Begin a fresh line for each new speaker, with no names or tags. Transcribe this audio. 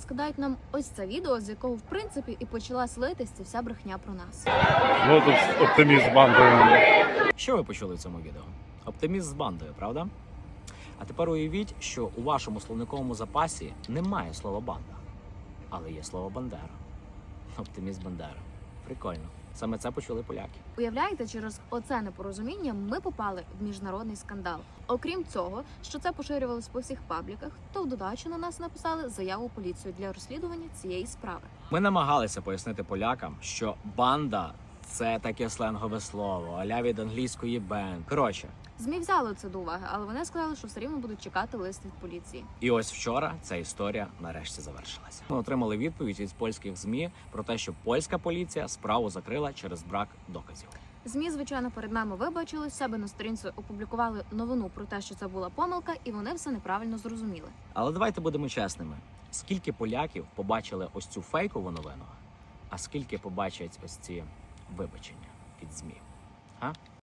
скидають нам ось це відео, з якого в принципі і почала слитися вся брехня про нас.
Вот тут оптиміст з бандою.
Що ви почули в цьому відео? Оптиміст з бандою, правда? А тепер уявіть, що у вашому словниковому запасі немає слова банда, але є слово Бандера. Оптиміст Бандера. Прикольно. Саме це почули поляки.
Уявляєте, через оце непорозуміння ми попали в міжнародний скандал. Окрім цього, що це поширювалось по всіх пабліках, то в додачу на нас написали заяву в поліцію для розслідування цієї справи.
Ми намагалися пояснити полякам, що банда – це таке сленгове слово, а-ля від англійської бенд. Коротше,
ЗМІ взяли це до уваги, але вони сказали, що все рівно будуть чекати лист від поліції.
і ось вчора ця історія нарешті завершилася. Ми отримали відповідь від польських ЗМІ про те, що польська поліція справу закрила через брак доказів.
ЗМІ, звичайно, перед нами вибачили, себе на сторінці опублікували новину про те, що це була помилка, і вони все неправильно зрозуміли.
Але давайте будемо чесними. Скільки поляків побачили ось цю фейкову новину, а скільки побачать ось ці вибачення від ЗМІ? А?